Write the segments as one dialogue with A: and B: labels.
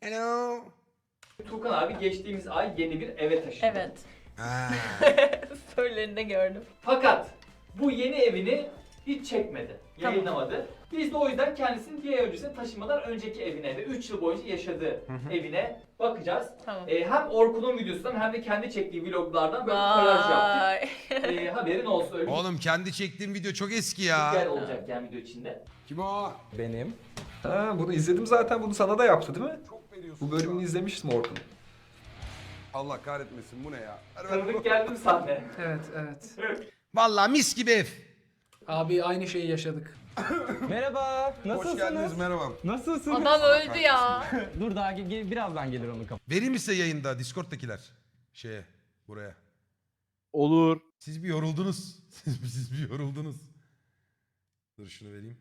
A: Hello.
B: Tuğkan abi geçtiğimiz ay yeni bir eve taşındı.
C: Evet.
A: Ha.
C: Storylerinde gördüm.
B: Fakat bu yeni evini hiç çekmedi,
C: Tamam.
B: yayınlamadı. Biz de o yüzden kendisinin bir ay öncesine taşınmadan önceki evine ve 3 yıl boyunca yaşadığı evine bakacağız.
C: Tamam.
B: Hem Orkun'un videosundan hem de kendi çektiği vloglardan böyle bir kolaj yaptık.
C: Vay.
B: Haberin olsun, öyle
A: Oğlum kendi çektiğim video çok eski
B: bir yer
A: ya.
B: olacak yani video içinde.
A: Kim o?
D: Benim.
E: Ha, bunu izledim zaten. Bunu sana da yaptı değil mi?
A: Çok veriyorsun.
E: Bu bölümünü izlemiştim Orkun.
A: Allah kahretmesin bu ne ya?
B: Tanıdık geldi mi sahne?
F: Evet, evet.
A: Vallahi mis gibi ev.
F: Abi aynı şeyi yaşadık.
D: Merhaba.
A: Hoş geldiniz,
D: Nasılsınız?
A: merhaba.
D: Nasılsınız?
C: Adam öldü ya.
D: Dur daha birazdan gelir onun kapı.
A: Vereyim mi size yayında Discord'dakiler? Buraya.
G: Olur.
A: Siz bir yoruldunuz. Siz bir yoruldunuz. Dur şunu vereyim.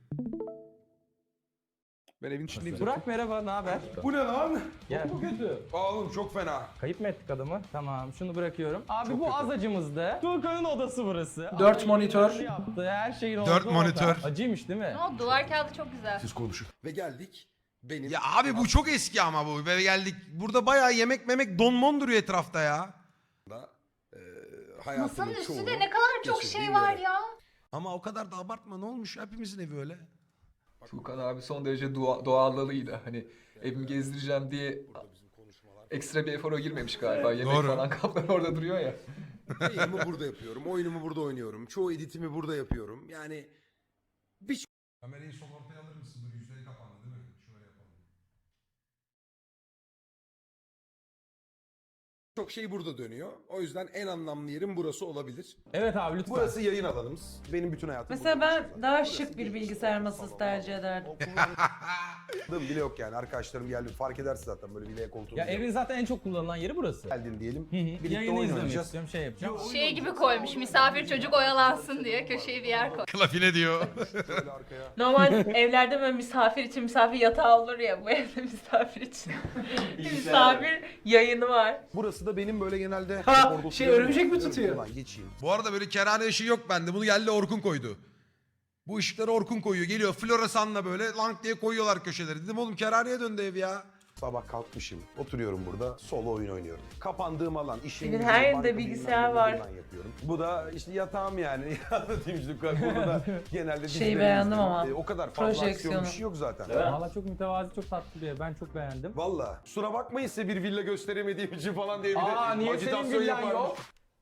G: Ben evin içindeyim.
D: Burak merhaba, ne haber?
A: Bu ne lan?
D: Gel. Bu kötü.
A: Oğlum çok fena.
D: Kayıp mı ettik adamı? Tamam, şunu bırakıyorum. Abi bu az acımızdı. Tuğkan'ın odası burası.
F: 4
D: Abi,
F: monitör.
D: yaptı. Her şeyin oldu.
A: 4 monitör.
D: Acıymış değil mi?
C: Ne oldu? Duvar kağıdı çok güzel.
A: Siz konuşun. Ve geldik. Benim... Ya abi bu çok eski ama bu. Ve geldik. Burada bayağı yemek memek donmon duruyor etrafta ya.
C: Masanın üstünde ne kadar çok şey var ya.
A: Ama o kadar da abartma, ne olmuş? Hepimizin evi öyle.
E: Tuğkan abi son derece doğallığıyla hani evimi gezdireceğim diye ekstra bir efora girmemiş galiba. Yemek
A: Doğru.
E: falan kaplar orada duruyor ya.
H: Yayınımı burada yapıyorum, oyunumu burada oynuyorum, çoğu editimi burada yapıyorum. Yani
A: Kamerayı sol ortaya alır mısın? Dur, yüzleri kapandı değil mi? Şöyle yapalım.
H: çok şey burada dönüyor. O yüzden en anlamlı yerim burası olabilir.
D: Evet abi lütfen.
H: Burası yayın alanımız. Benim bütün hayatım
I: Mesela
H: burada
I: ben
H: geçiyor.
I: daha
H: Burası
I: şık bir
H: bizim
I: bilgisayar
H: salon,
I: masası
H: salon,
I: tercih ederdim.
H: kullandığım bile yok yani. Arkadaşlarım geldi fark edersin zaten böyle vilaya koltuğu.
D: Ya evin zaten en çok kullanılan yeri burası.
H: geldin diyelim.
D: Hı hı.
H: Birlikte
D: Yayını
H: oyun
D: izlemek
H: oynayacağız.
D: istiyorum, şey yapacağım.
C: Şey gibi koymuş, misafir çocuk oyalansın diye köşeye bir yer koy.
A: Klafine diyor.
H: Şöyle arkaya.
I: Normal evlerde böyle misafir için misafir yatağı olur ya, bu evde misafir için. misafir yayını var.
H: Burası da benim böyle genelde...
F: Ha,
H: orada
F: şey,
H: oturuyorum.
F: örümcek mi tutuyor?
H: Ulan geçeyim.
A: Bu arada böyle kerane ışığı yok bende. Bunu geldi Orkun koydu. Bu ışıkları Orkun koyuyor. Geliyor floresanla böyle lank diye koyuyorlar köşeleri. Dedim oğlum kerhaneye döndü ev ya.
H: Sabah kalkmışım, oturuyorum burada, solo oyun oynuyorum. Kapandığım alan, işim...
I: Evin
H: gücüm,
I: her yerinde
H: banka
I: bilgisayar
H: bilmem ne
I: var.
H: buradan yapıyorum. Bu da işte yatağım yani. Anlatayım işte burada genelde
I: Şeyi
H: dizileri
I: beğendim
H: izliyorum.
I: ama,
H: O kadar fazla aksiyon
I: projeksiyonu.
H: bir şey yok zaten.
B: Değil mi?
D: Valla çok mütevazi, çok tatlı bir ev. Ben çok beğendim.
H: Valla. Kusura bakmayın size bir villa gösteremediğim için falan diye bir
D: Aa
H: de
D: niye senin
H: ajitasyon
D: villan
H: yaparmış.
D: yok?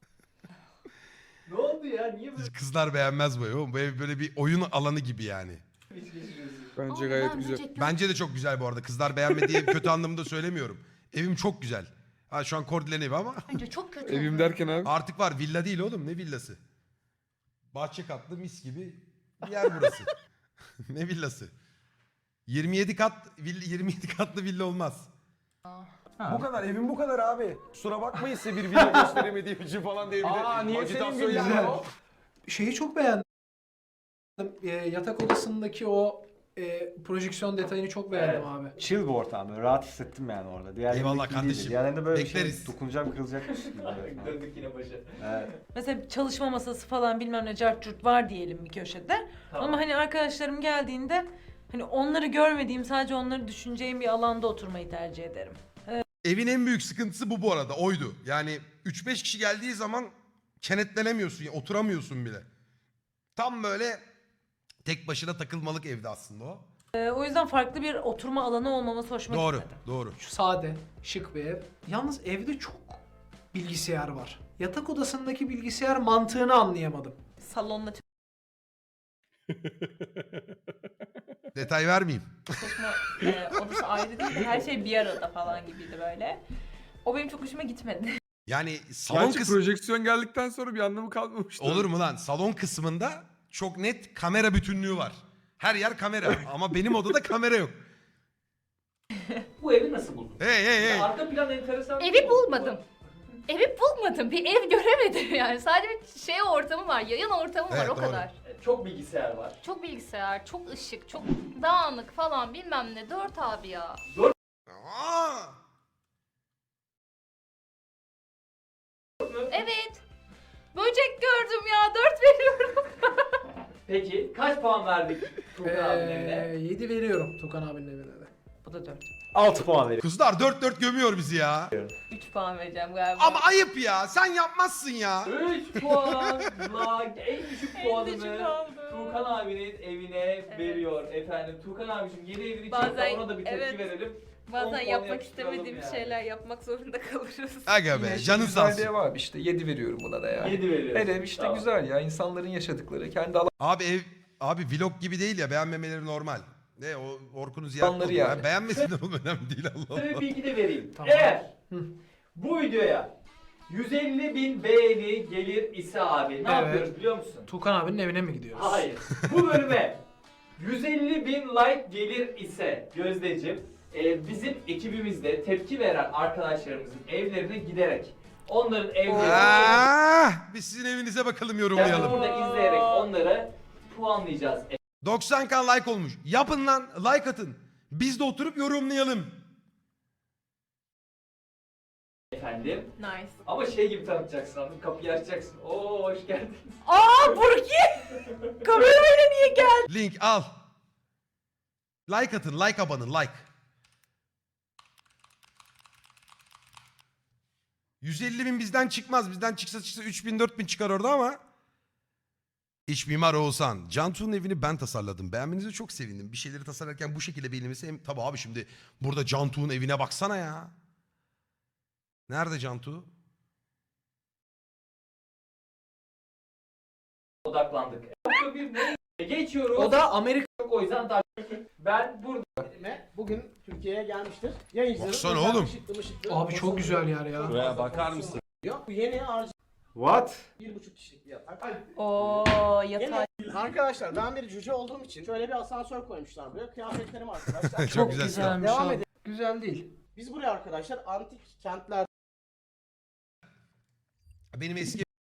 B: Ne oldu ya? Niye böyle
A: Kızlar beğenmez bu ev. Oğlum bu ev böyle bir oyun alanı gibi yani.
B: hiç geçiriyorsun?
G: Bence gayet güzel.
A: Bence de çok güzel bu arada. Kızlar beğenmediği kötü anlamında söylemiyorum. Evim çok güzel. Ha şu an Kordilerin evi ama
C: Bence çok kötü.
G: Evim derken abi.
A: artık var. Villa değil oğlum. Ne villası? Bahçe katlı mis gibi bir yer burası. Ne villası? 27 katlı villa olmaz.
H: Bu kadar, evim bu kadar abi. Kusura bakmayın size bir villa gösteremediğim için falan diye bir de
D: Aa niye senin
H: ajitasyon
D: villan
H: yaparmış.
D: yok?
F: Şeyi çok beğendim. Yatak odasındaki o projeksiyon detayını çok beğendim
B: Evet.
F: abi.
J: Chill bir ortam, böyle rahat hissettim yani orada. Diğerlerinde
A: Eyvallah
J: gibi değildi.
A: kardeşim.
J: Diğerlerinde böyle bir
A: Bekleriz.
J: şey dokunacağım kırılacakmış gibi. böyle.
B: Döndük yine başa.
J: Evet.
I: Mesela çalışma masası falan bilmem ne cart curt var diyelim bir köşede.
B: Tamam.
I: Ama hani arkadaşlarım geldiğinde hani onları görmediğim, sadece onları düşüneceğim bir alanda oturmayı tercih ederim.
A: Evin en büyük sıkıntısı bu arada. Oydu. Yani 3-5 kişi geldiği zaman kenetlenemiyorsun. Yani oturamıyorsun bile. Tam böyle tek başına takılmalık evde aslında o.
I: O yüzden farklı bir oturma alanı olmaması hoşuma
A: Doğru.
I: gitmedi.
A: Doğru.
F: Şu sade, şık bir ev. Yalnız evde çok bilgisayar var. Yatak odasındaki bilgisayar mantığını anlayamadım.
I: Salonla
A: Detay vermeyeyim.
I: çalışma odası ayrı değil de her şey bir arada falan gibiydi böyle. O benim çok hoşuma gitmedi.
A: Yani salon
G: Gerçi
A: kısmı...
G: projeksiyon geldikten sonra bir anlamı kalmamıştı.
A: Olur mu lan? Salon kısmında çok net kamera bütünlüğü var. Her yer kamera ama benim odada kamera yok.
B: Bu evi nasıl buldun?
A: Hey hey hey.
B: Arka plan enteresan.
C: Evi bulmadım. Evi bulmadım. Bir ev göremedim yani. Sadece bir şey ortamı var, yayın ortamı var
A: Evet,
C: o
A: doğru.
C: kadar.
B: Çok bilgisayar var.
C: Çok bilgisayar, çok ışık, çok dağınık falan bilmem ne. 4 abi ya.
A: Aa!
C: Evet. Böcek gördüm ya. 4 veriyorum.
B: Peki kaç puan verdik Tuğkan abinin evine?
F: 7 veriyorum Tukan abinin evine de.
I: Bu da 4.
J: 6 puan veriyorum.
A: Kızlar 4-4 gömüyor bizi ya.
I: 3 puan vereceğim galiba.
A: Ama ayıp ya. Sen yapmazsın ya.
B: 3 puanla en düşük puanını
I: aldım.
B: Tuğkan abinin evine veriyor efendim. Tuğkan abicim yeni evini
I: Bazen-
B: çekti, ona da bir tepki
I: evet.
B: verelim. 10
I: Bazen
B: puan
I: yapmak
B: yapıştıralım
I: istemediğim
B: yani.
I: şeyler yapmak zorunda kalırız.
A: Aga be
E: Yine işte
A: canın sağ
E: güzelliği
A: olsun.
E: var işte 7 veriyorum buna da ya.
B: 7 veriyorsun.
E: Her ev işte
B: Tamam.
E: güzel ya insanların yaşadıkları kendi
A: Abi vlog gibi değil ya, beğenmemeleri normal. Ne o Orkun'u ziyaret
E: Alanları
A: oldu.
E: yani.
A: Beğenmesinler oğlum, önemli değil Allah
B: Size bir
A: Allah.
B: bilgi de vereyim.
F: Tamam.
B: Eğer bu videoya 150.000 beğeni gelir ise abi ne
F: Evet.
B: yapıyoruz biliyor musun?
F: Tuğkan abinin evine mi gidiyoruz?
B: Hayır. Bu bölüme 150.000 like gelir ise Gözdeciğim bizim ekibimizde tepki veren arkadaşlarımızın evlerine giderek onların evlerini
A: Biz sizin evinize bakalım,
B: yani
A: yorumlayalım.
B: burada izleyerek onları puanlayacağız
A: 90k like olmuş. Yapın lan, like atın. Biz de oturup yorumlayalım.
B: efendim.
I: Nice.
B: Ama şey gibi tanıtacaksın anladın mı? Kapıyı açacaksın. Oo hoş geldin.
I: Aa Burki! Kamerayla niye geldin?
A: Link al. Like atın, like abanın, like. 150.000 bizden çıkmaz. Bizden çıksa 3.000-4.000 çıkar orada ama. İç mimar Oğuzhan. Cantu'nun evini ben tasarladım. Beğenmenize çok sevindim. Bir şeyleri tasarlarken bu şekilde beğenilmesi hem... Tabii abi şimdi burada Cantu'nun evine baksana ya. Nerede Cantu?
B: Odaklandık. Nokta bir ne? Geçiyoruz.
F: O da Amerika.
B: O yüzden ben burada
K: Bugün Türkiye'ye gelmiştir. Yayıncıların
A: Baksana
K: özel
A: oğlum.
K: ışıklı
F: Abi çok güzel yer ya.
H: Buraya bakar mısın?
K: Bu yeni harcı
J: What?
K: 1,5 kişilik bir yatak.
I: Oo yatağa.
K: Arkadaşlar ben bir cüce olduğum için şöyle bir asansör koymuşlar buraya. Kıyafetlerim arkadaşlar.
A: Çok güzel silah.
F: güzelmiş
K: Devam
F: abi.
K: edelim.
F: Güzel değil.
K: Biz buraya arkadaşlar antik kentler
A: Benim eski